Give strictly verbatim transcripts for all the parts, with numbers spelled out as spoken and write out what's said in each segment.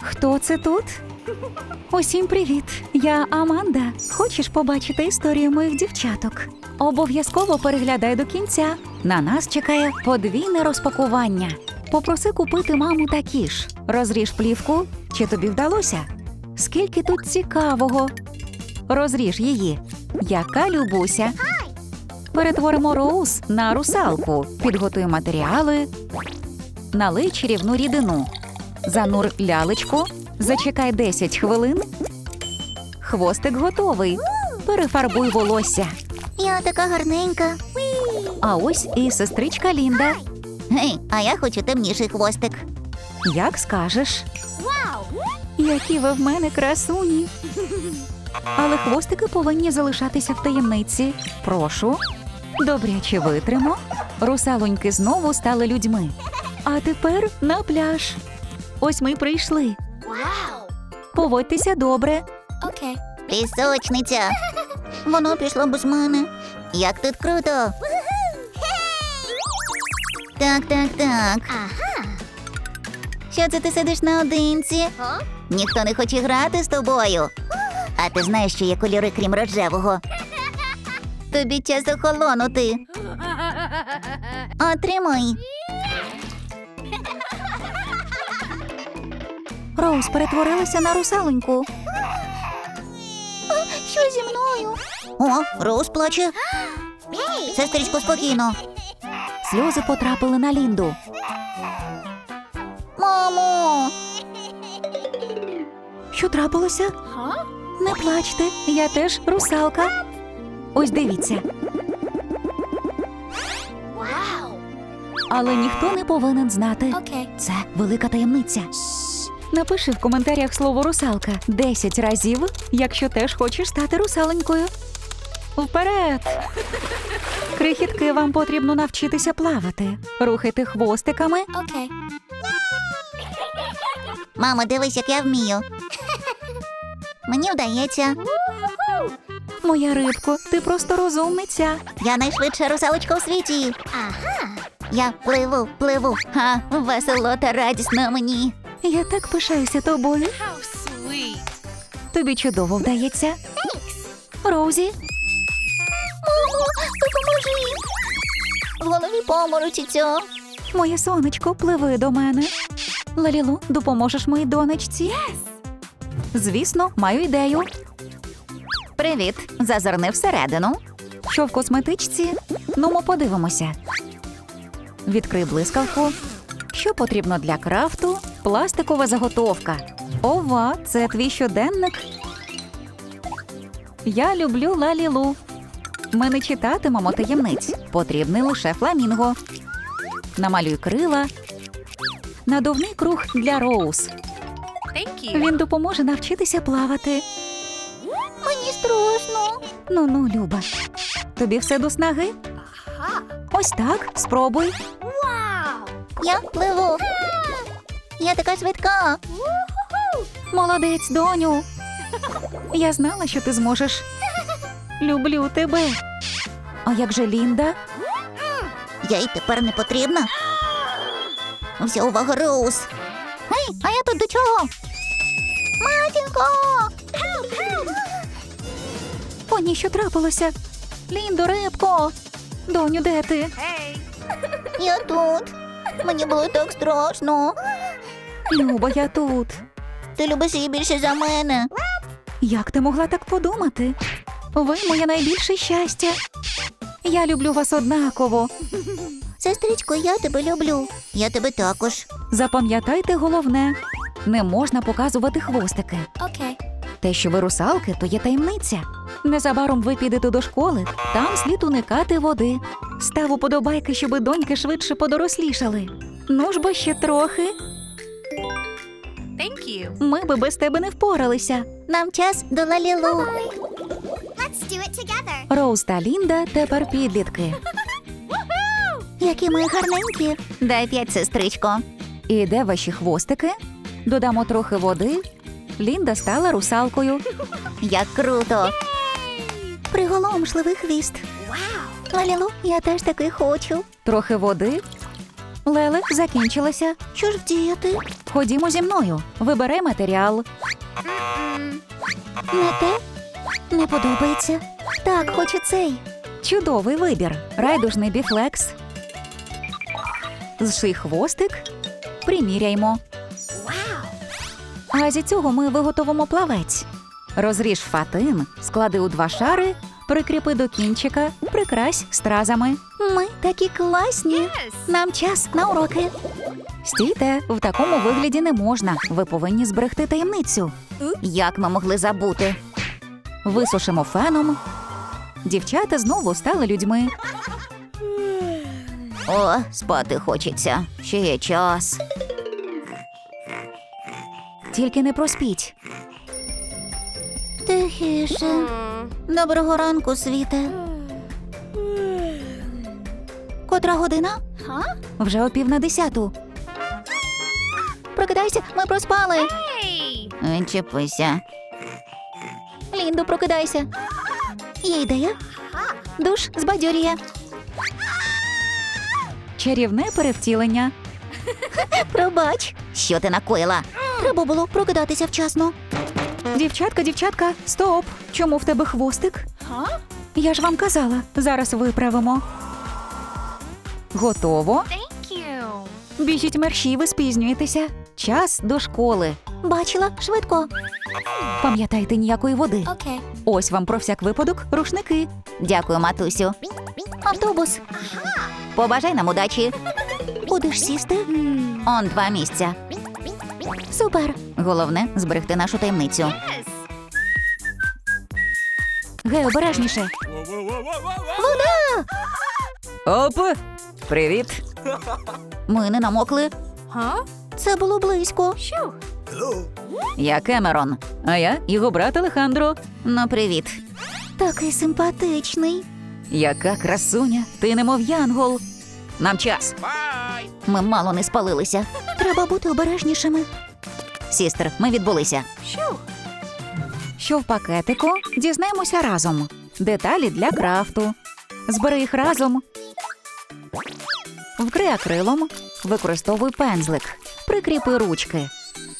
Хто це тут? Усім привіт! Я Аманда. Хочеш побачити історію моїх дівчаток? Обов'язково переглядай до кінця. На нас чекає подвійне розпакування. Попроси купити маму такі ж. Розріж плівку. Чи тобі вдалося? Скільки тут цікавого. Розріж її. Яка Любуся. Перетворимо Роуз на русалку. Підготуй матеріали. Налий чарівну рідину. Занур лялечку. Зачекай десять хвилин. Хвостик готовий. Перефарбуй волосся. Я така гарненька. А ось і сестричка Лінда. Гей, а я хочу темніший хвостик. Як скажеш. Які ви в мене красуні. Але хвостики повинні залишатися в таємниці. Прошу. Добряче витримо. Русалоньки знову стали людьми. А тепер на пляж. Ось ми й прийшли. Поводьтеся добре. Окей. Пісочниця. Воно пішло без мене. Як тут круто. Так, так, так. Що це ти сидиш наодинці? Ніхто не хоче грати з тобою. А ти знаєш, що є кольори, крім рожевого? Тобі час охолонути. Отримай. Роуз перетворилася на русалоньку. Що зі мною? О, Роуз плаче. Сестричко, спокійно. Сльози потрапили на Лінду. Мамо! Що трапилося? Не плачте, я теж русалка. Ось дивіться. Але ніхто не повинен знати. Це велика таємниця. Напиши в коментарях слово «русалка» десять разів, якщо теж хочеш стати русаленькою. Вперед! Крихітки, вам потрібно навчитися плавати. Рухайте хвостиками. Окей. Мамо, дивись, як я вмію. Мені вдається. Моя рибко, ти просто розумниця. Я найшвидша русалочка у світі. Ага. Я пливу, пливу. Ха, весело та радісно мені. Я так пишаюся тобою. Тобі чудово вдається. Роузі. Мамо, допоможи. В голові поморочиться. Моє сонечко, пливи до мене. Лалілу, допоможеш моїй донечці? Звісно, маю ідею. Привіт. Зазирни всередину. Що в косметичці? Ну, ми подивимося. Відкрий блискавку. Що потрібно для крафту? Пластикова заготовка. Ова, це твій щоденник? Я люблю Лалілу. Ми не читатимемо таємниць. Потрібний лише фламінго. Намалюй крила. Надувний круг для Роуз. Він допоможе навчитися плавати. Мені страшно. Ну-ну, Люба. Тобі все до снаги? Ось так, спробуй. Я пливу. Я така швидка. Молодець, доню. Я знала, що ти зможеш. Люблю тебе. А як же Лінда? Я й тепер не потрібна. Вся увага, Роуз. Гей, а я тут до чого? Матінко! О, ні, що трапилося? Ліндо, рибко. Доню, де ти? Я тут. Мені було так страшно. Люба, я тут. Ти любиш її більше за мене. Як ти могла так подумати? Ви моє найбільше щастя. Я люблю вас однаково. Сестричко, я тебе люблю. Я тебе також. Запам'ятайте головне. Не можна показувати хвостики. Окей. Те, що ви русалки, то є таємниця. Незабаром ви підете до школи, там слід уникати води. Став уподобайки, щоби доньки швидше подорослішали. Ну ж бо ще трохи. Thank you. Ми би без тебе не впоралися. Нам час до Лалілу. Let's do it together. Роуз та Лінда тепер підлітки. Які ми гарненькі. Дай п'ять, сестричко. І де ваші хвостики? Додамо трохи води. Лінда стала русалкою. Як круто. Приголомшливий хвіст. Лалілу, я теж таки хочу. Трохи води. Леле, закінчилася. Що ж вдіяти? Ходімо зі мною. Вибирай матеріал. Не те? Не подобається. Так, хочу цей. Чудовий вибір. Райдужний біфлекс. Зший хвостик. Приміряймо. А зі цього ми виготовимо плавець. Розріж фатин, склади у два шари, прикріпи до кінчика, прикрась стразами. Ми такі класні. Нам час на уроки. Стійте, в такому вигляді не можна. Ви повинні зберегти таємницю. Як ми могли забути? Висушимо феном. Дівчата знову стали людьми. О, спати хочеться. Ще є час. Тільки не проспіть. Тихіше. Доброго ранку, світе. Котра година? Вже о пів на десяту. Прокидайся, ми проспали. Відчепися. Ліндо, прокидайся. Є ідея? Душ збадьорює. Чарівне перевтілення. Пробач. Що ти накоїла? Треба було прокидатися вчасно. Дівчатка, дівчатка, стоп! Чому в тебе хвостик? Я ж вам казала, зараз виправимо. Готово? Біжіть мерщій, ви спізнюєтеся. Час до школи. Бачила? Швидко. Пам'ятайте, ніякої води. Okay. Ось вам про всяк випадок рушники. Дякую, матусю. Автобус. Побажай нам удачі. Будеш сісти? Он два місця. Супер. Головне – зберегти нашу таємницю. Гей, обережніше. Вода! Оп! Привіт! Ми не намокли. Це було близько. Я Кемерон, а я його брат Алехандро. Ну, привіт. Такий симпатичний. Яка красуня, ти немов янгол. Нам час. Ми мало не спалилися. Треба бути обережнішими. Сістер, ми відбулися. Що в пакетику? Дізнаємося разом. Деталі для крафту. Збери їх разом. Вкрий акрилом. Використовуй пензлик. Прикріпи ручки.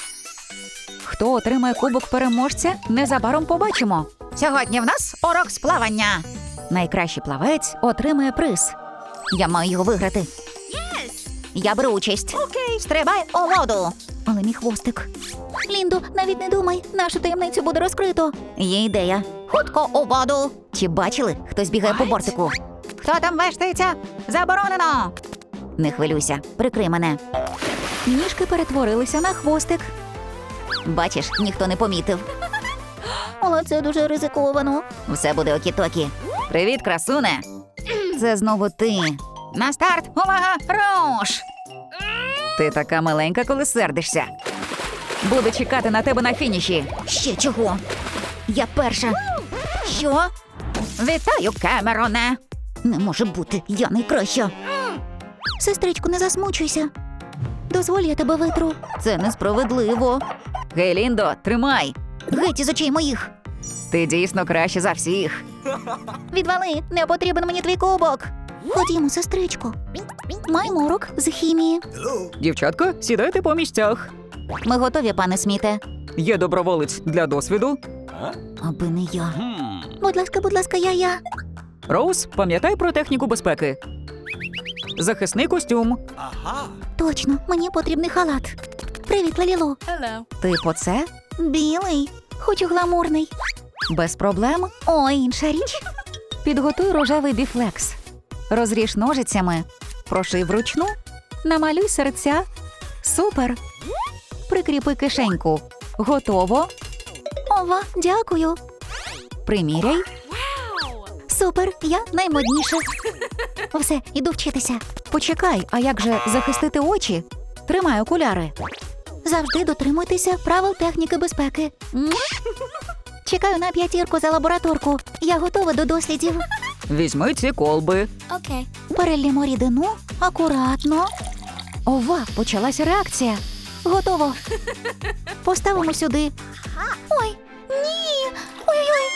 Хто отримає кубок переможця, незабаром побачимо. Сьогодні в нас урок з плавання. Найкращий плавець отримає приз. Я маю його виграти. Я беру участь. Окей. Стрибай у воду. Але мій хвостик. Ліндо, навіть не думай, нашу таємницю буде розкрито. Є ідея. Хутко у воду. Чи бачили, хтось бігає по бортику? Хто там вештається? Заборонено. Не хвилюйся, прикрий мене. Ніжки перетворилися на хвостик. Бачиш, ніхто не помітив. Але це дуже ризиковано. Все буде окі-токі. Привіт, красуне. Це знову ти. На старт, увага, руш! Ти така миленька, коли сердишся. Буду чекати на тебе на фініші. Ще чого? Я перша. Що? Вітаю, Кемероне. Не може бути, я найкраща. Сестричку, не засмучуйся. Дозволь, я тебе витру. Це несправедливо. Гей, Ліндо, тримай. Геть із очей моїх. Ти дійсно краще за всіх. Відвали, не потрібен мені твій кубок. Ходімо, сестричко. Маємо урок з хімії. Дівчатка, сідайте по місцях. Ми готові, пане Сміте. Є доброволець для досвіду. Аби не я. Будь ласка, будь ласка, я, я. Роуз, пам'ятай про техніку безпеки. Захисний костюм. Точно, мені потрібний халат. Привіт, Лалілу. Типу це? Білий. Хочу гламурний. Без проблем. О, інша річ. Підготуй рожевий біфлекс. Розріж ножицями. Прошив вручну. Намалюй серця. Супер. Прикріпи кишеньку. Готово. Ова, дякую. Приміряй. Супер, я наймодніша. Все, іду вчитися. Почекай, а як же захистити очі? Тримай окуляри. Завжди дотримуйтеся правил техніки безпеки. М? Чекаю на п'ятірку за лабораторку. Я готова до дослідів. Візьми ці колби. Okay. Перелімо рідину акуратно. Ова, почалася реакція. Готово. Поставимо сюди. Ой, ні. Ой-ой-ой.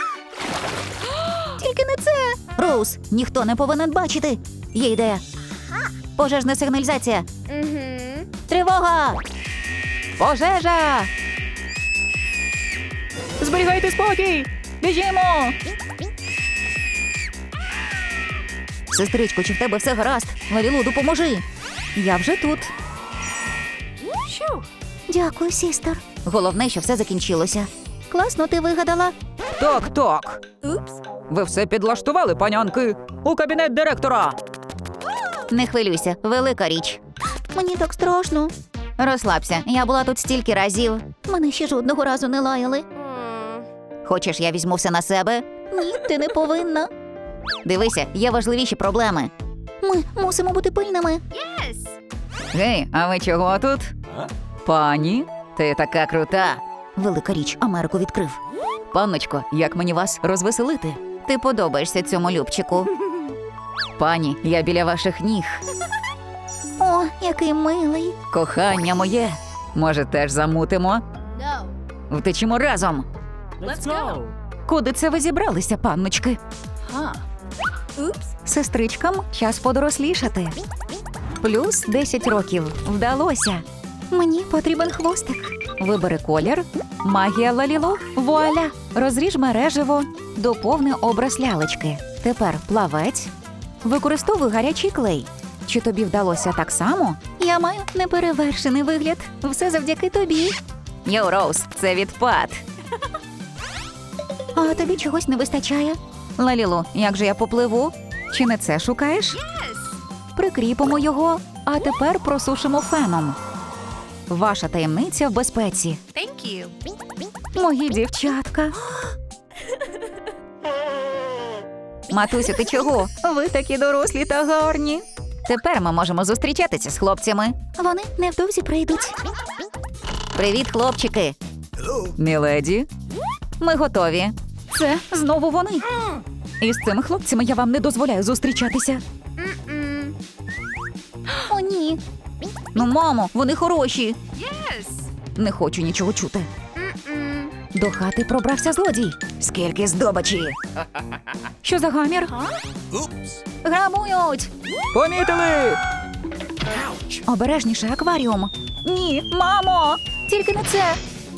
Тільки не це. Роуз, ніхто не повинен бачити. Є ідея. Пожежна сигналізація. Mm-hmm. Тривога! Пожежа! Зберігайте спокій! Біжімо! Сестричко, чи в тебе все гаразд? Лалілу, допоможи. Я вже тут. Дякую, сістер. Головне, що все закінчилося. Класно ти вигадала. Так, так. Ви все підлаштували, панянки? У кабінет директора. Не хвилюйся, велика річ. Мені так страшно. Розслабся, я була тут стільки разів. Мене ще жодного разу не лаяли. Хочеш, я візьму все на себе? Ні, ти не повинна. Дивися, є важливіші проблеми. Ми мусимо бути пильними. Гей, а ви чого тут? Пані, ти така крута. Велика річ, Америку відкрив. Панночко, як мені вас розвеселити? Ти подобаєшся цьому любчику. Пані, я біля ваших ніг. О, який милий. Кохання моє. Може, теж замутимо? Втечемо разом. Let's go. Куди це ви зібралися, панночки? Сестричкам час подорослішати. Плюс десять років. Вдалося. Мені потрібен хвостик. Вибери колір. Магія Лалілу. Вуаля. Розріж мереживо. Доповни образ лялечки. Тепер плавець. Використовуй гарячий клей. Чи тобі вдалося так само? Я маю неперевершений вигляд. Все завдяки тобі. Йоу, Роуз, це відпад. А тобі чогось не вистачає? Лалілу, як же я попливу? Чи не це шукаєш? Прикріпимо його, а тепер просушимо феном. Ваша таємниця в безпеці. Thank you. Мої дівчатка. Матусю, ти чого? Ви такі дорослі та гарні. Тепер ми можемо зустрічатися з хлопцями. Вони невдовзі прийдуть. Привіт, хлопчики. Міледі. Ми готові. Це знову вони. І з цими хлопцями я вам не дозволяю зустрічатися. О, ні. Ну, мамо, вони хороші. Yes. Не хочу нічого чути. До хати пробрався злодій. Скільки здобичі. Що за гамір? Грабують. Помітили. Обережніше, акваріум. Ні, мамо, тільки не це.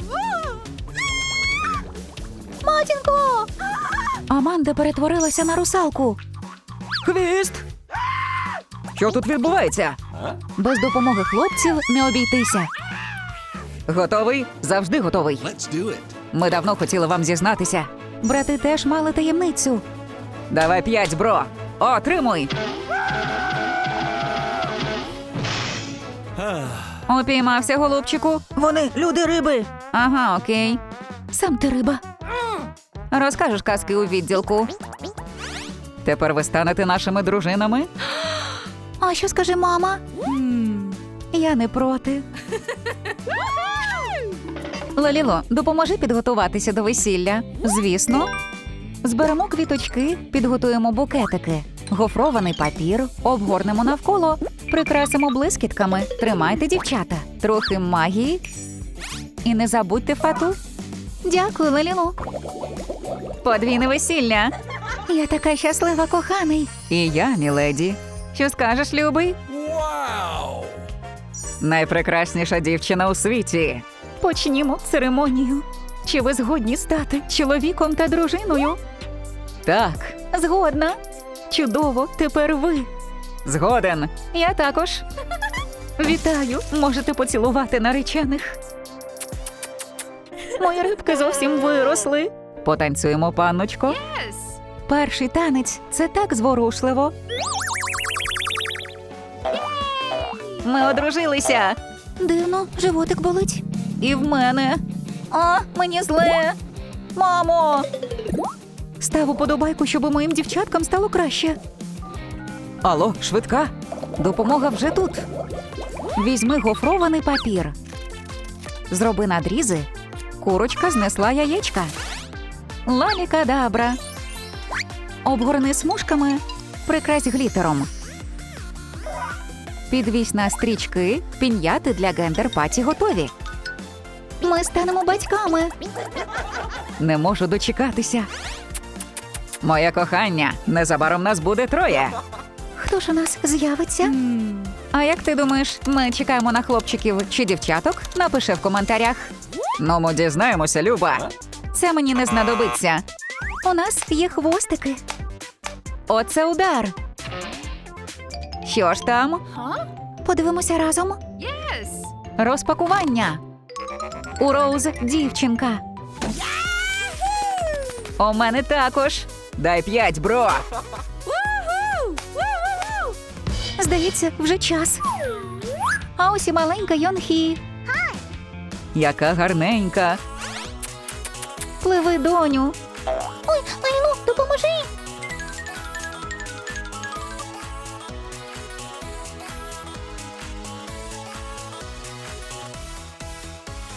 Матінко! Аманда перетворилася на русалку. Хвіст! Що тут відбувається? Без допомоги хлопців не обійтися. Готовий? Завжди готовий. Let's do it. Ми давно хотіли вам зізнатися. Брати теж мали таємницю. Давай п'ять, бро. Отримуй. Упіймався, голубчику. Вони люди-риби. Ага, окей. Сам ти риба. Розкажеш казки у відділку. Тепер ви станете нашими дружинами? А що скаже мама? Я не проти. Лаліло, допоможи підготуватися до весілля. Звісно. Зберемо квіточки, підготуємо букетики. Гофрований папір, обгорнемо навколо, прикрасимо блискітками. Тримайте, дівчата. Трохи магії. І не забудьте фату. Дякую, Лалілу. Подвійне весілля. Я така щаслива, коханий. І я, міледі. Що скажеш, любий? Wow. Найпрекрасніша дівчина у світі. Почнімо церемонію. Чи ви згодні стати чоловіком та дружиною? Так. Згодна. Чудово, тепер ви. Згоден. Я також. Вітаю, можете поцілувати наречених. Мої рибки зовсім виросли. Потанцюємо, панночко. Yes. Перший танець – це так зворушливо. Ми одружилися. Дивно, животик болить. І в мене. А, мені зле. Мамо! Став уподобайку, щоб моїм дівчаткам стало краще. Алло, швидка. Допомога вже тут. Візьми гофрований папір. Зроби надрізи. Курочка знесла яєчка. Лалікадабра. Обгорни смужками. Прикрась глітером. Підвісь на стрічки. Пін'яти для гендер-паті готові. Ми станемо батьками. Не можу дочекатися. Моє кохання, незабаром нас буде троє. Хто ж у нас з'явиться? А як ти думаєш, ми чекаємо на хлопчиків чи дівчаток? Напиши в коментарях. Ну, ми дізнаємося, Люба. Це мені не знадобиться. У нас є хвостики. Оце удар. Що ж там? Подивимося разом. Розпакування. У Роуз дівчинка. У мене також. Дай п'ять, бро. Здається, вже час. А ось і маленька Йонхі. Яка гарненька. Пливи, доню. Ой, Лайлу, допоможи!